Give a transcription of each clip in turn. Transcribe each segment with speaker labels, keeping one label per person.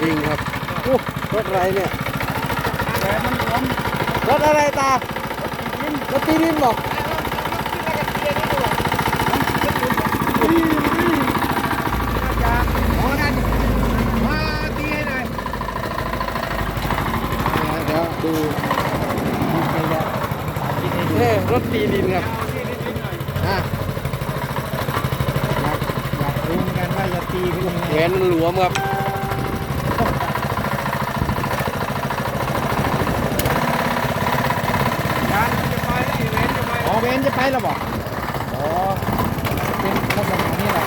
Speaker 1: ริงๆครับอู้รถอะไรเนี่ย
Speaker 2: แต่มันหลวม
Speaker 1: รถอะไรตา รถตีดินบอก เดี๋ยวดูนี่รถตีดินครับอ่ะ
Speaker 2: อยากรู้เหมือนกันว่าจะตีเป็นยังไง
Speaker 1: แหวนมันหลวมครับ
Speaker 2: อ๋อเวนจะไปแล้วบอกอ๋อเป็นลักษณะนี้แหละ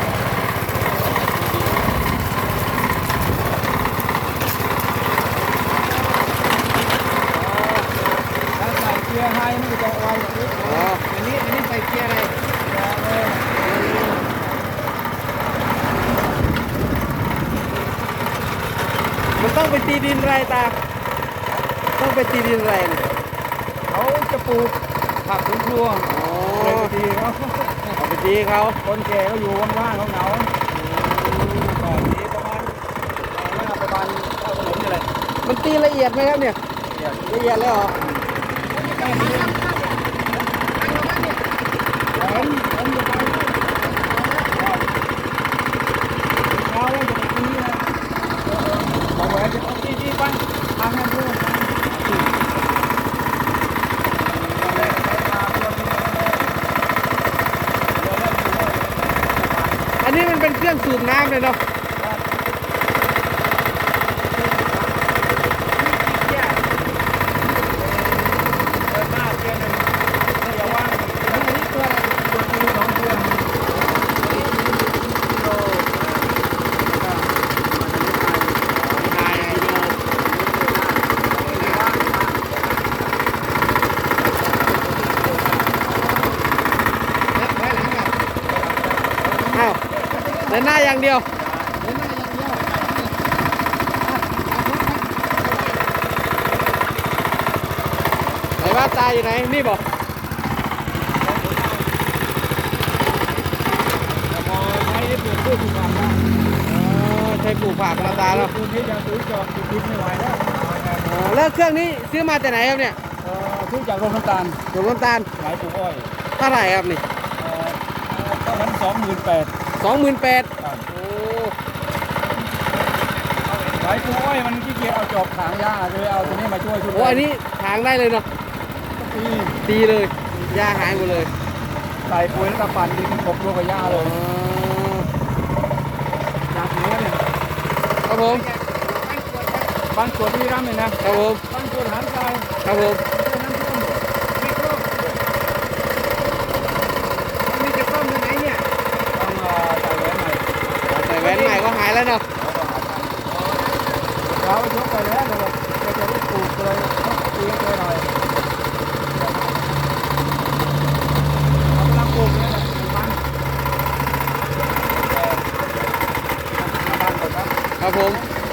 Speaker 2: ถ้าใส่เกียร์ไฮมันก็จะไวกว่านี้
Speaker 1: อ๋อ
Speaker 2: อันนี้ใส่เกียร์อะไร
Speaker 1: มันต้องไปตีดินไรตา ต้องไปตีดินไรเนี่ย
Speaker 2: เขาจะปลูกผักสวนครัว
Speaker 1: อ๋อ
Speaker 2: เลยไปตีเขา
Speaker 1: เอาไปตีเขา
Speaker 2: คนแก่เขาอยู่ว่างๆเขาเหงาก็ตีประมาณเท่าถนนนี่แหละ
Speaker 1: มันตีละเอียดไหมครับเนี่ย ละเอียดเลยเหรอ
Speaker 2: ใกล้นี้ผมจะไปเช้าว่าจะไปตีนะบอกว่าจะเอาตีไปทางนั้นด้วย
Speaker 1: อันนี้มันเป็นเครื่องสูบน้ำเลยเนาะ อ้าวเดินหน้าอย่างเดียวไหนว่าตายอยู่ไหน นี่บอกใช้ปลูกผักนะตาเนาะแล้วเครื่องนี้ซื้อมาจากไหนครับเนี่ย
Speaker 2: ซื้อจากโรงน้ำตาล
Speaker 1: หลวงน้ำตาล
Speaker 2: ขายปลูกอ้อย
Speaker 1: เท่าไหร่ครับนี่
Speaker 2: ตอนนั้น28,000
Speaker 1: 28,000โอ้
Speaker 2: ขายปลูกอ้อยมันขี้เกียจเอาจอบถางหญ้าเลยเอาตัวนี้มาช่วยชุด
Speaker 1: โหอันนี้ถางได้เลยเนาะ
Speaker 2: ตี
Speaker 1: ดีเลยหญ้าหายหมดเลย
Speaker 2: ใส่ปุ๋ยแล้วก็ปั่นดินกบรวมกับหญ้าเลยจากนี้เนี่ย
Speaker 1: ครับผม
Speaker 2: บ้านสวนที่ร่ำเลยนะครับ
Speaker 1: ผม
Speaker 2: บ้านสวนหางทราย
Speaker 1: ครับผม
Speaker 2: นี่จะซ่อมยังไงเนี่ยต้องใส่แหวนใหม่
Speaker 1: ใส่แหวนใหม่ก็หายแล้วเนาะ
Speaker 2: เรายกไปแล้วเราจะได้ปลูกเลยตีไปหน่อยเรากำลังปลูกเนี่ยมันบ้านก่อนครับ
Speaker 1: ครับผม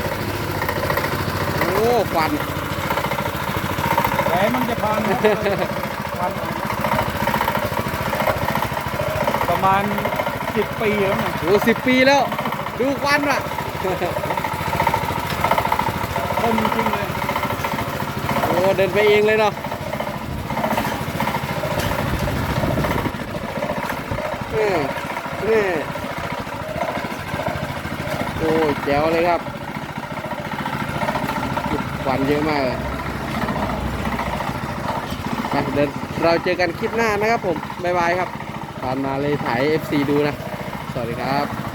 Speaker 1: โอ้ควัน
Speaker 2: แหวนมันจะพันประมาณ10 ปีแล้วนะ
Speaker 1: โอ้10 ปีแล้ว ดูควันว่ะ
Speaker 2: เริ่มจริงเลย
Speaker 1: โอ้เดินไปเองเลยเนาะนี่โอ้ยแจ๋วเลยครับควันเยอะมากเลยไปเดินเราเจอกันคลิปหน้านะครับผม บ๊ายบายครับผ่านมาเลยถ่าย FC ดูนะ สวัสดีครับ